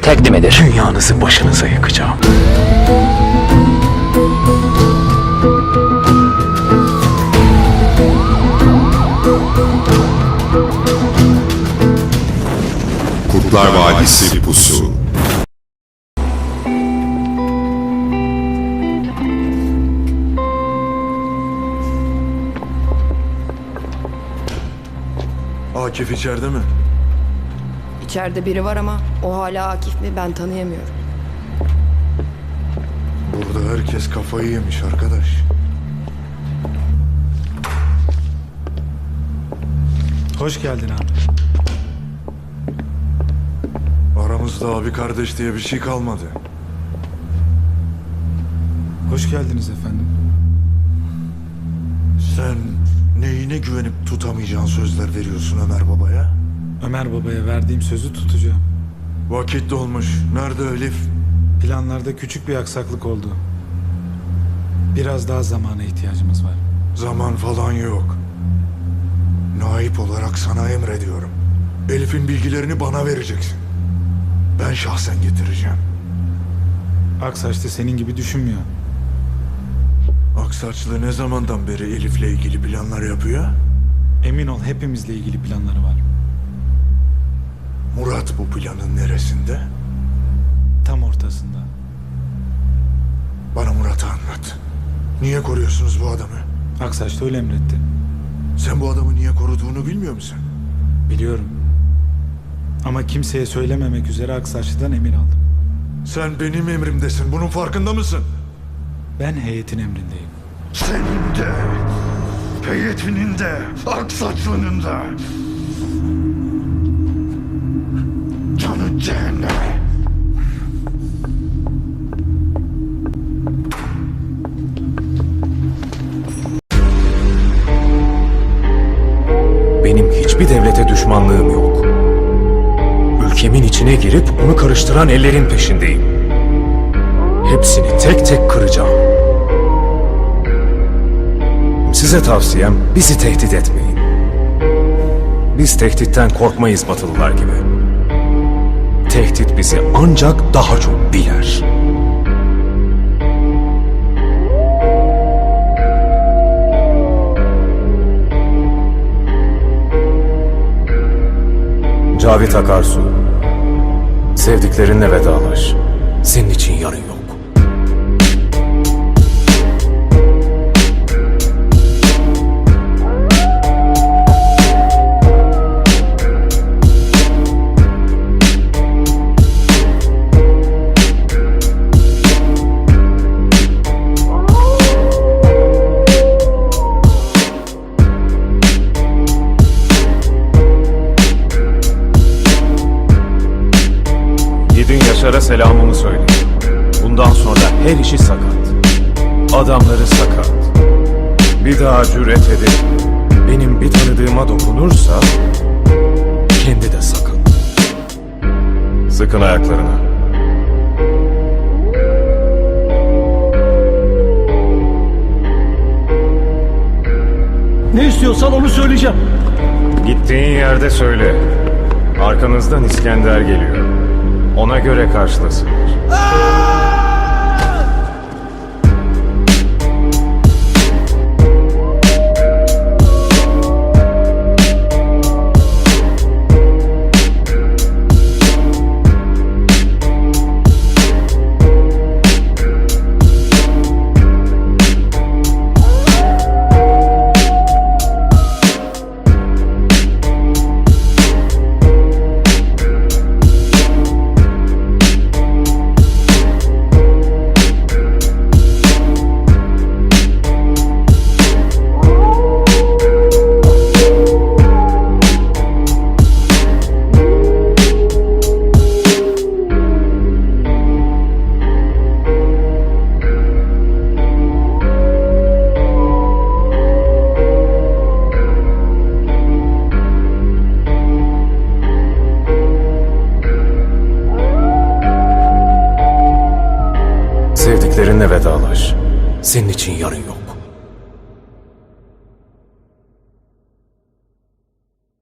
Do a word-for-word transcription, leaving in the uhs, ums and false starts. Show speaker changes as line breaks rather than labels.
tekli midir?
Dünyanızı başınıza yıkacağım.
Kurtlar Vadisi Pusu.
Akif içeride mi?
İçeride biri var ama o hala Akif mi ben tanıyamıyorum.
Burada herkes kafayı yemiş arkadaş.
Hoş geldin abi.
Aramızda abi kardeş diye bir şey kalmadı.
Hoş geldiniz efendim.
Sen neyine güvenip tutamayacağın sözler veriyorsun Ömer Baba'ya?
Ömer Baba'ya verdiğim sözü tutacağım.
Vakit dolmuş. Nerede Elif?
Planlarda küçük bir aksaklık oldu. Biraz daha zamana ihtiyacımız var.
Zaman falan yok. Naip olarak sana emrediyorum. Elif'in bilgilerini bana vereceksin. Ben şahsen getireceğim.
Aksaç da senin gibi düşünmüyor.
Aksaçlı ne zamandan beri Elif'le ilgili planlar yapıyor?
Emin ol hepimizle ilgili planları var.
Murat bu planın neresinde?
Tam ortasında.
Bana Murat'ı anlat. Niye koruyorsunuz bu adamı?
Aksaç da öyle emretti.
Sen bu adamı niye koruduğunu bilmiyor musun?
Biliyorum. Ama kimseye söylememek üzere Aksaçlı'dan emir aldım.
Sen benim emrimdesin. Bunun farkında mısın?
Ben heyetin emrindeyim.
Senin de, heyetinin de, Aksaçlı'nın da. Canı cehenneme.
Benim hiçbir devlete düşmanlığım yok. Ülkemin içine girip onu karıştıran ellerin peşindeyim. Hepsini tek tek kıracağım. Size tavsiyem bizi tehdit etmeyin. Biz tehditten korkmayız Batılılar gibi. Tehdit bizi ancak daha çok biler. Cavit Akarsu, sevdiklerinle vedalaş. Senin için yarın yok. Gidin Yaşar'a selamımı söyleyin. Bundan sonra her işi sakat. Adamları sakat. Bir daha cüret edip benim bir tanıdığıma dokunursa kendi de sakat. Sıkın ayaklarına.
Ne istiyorsan onu söyleyeceğim.
Gittiğin yerde söyle. Arkanızdan İskender geliyor. Ona göre karşılasınlar. Sevdiklerinle vedalaş. Senin için yarın yok.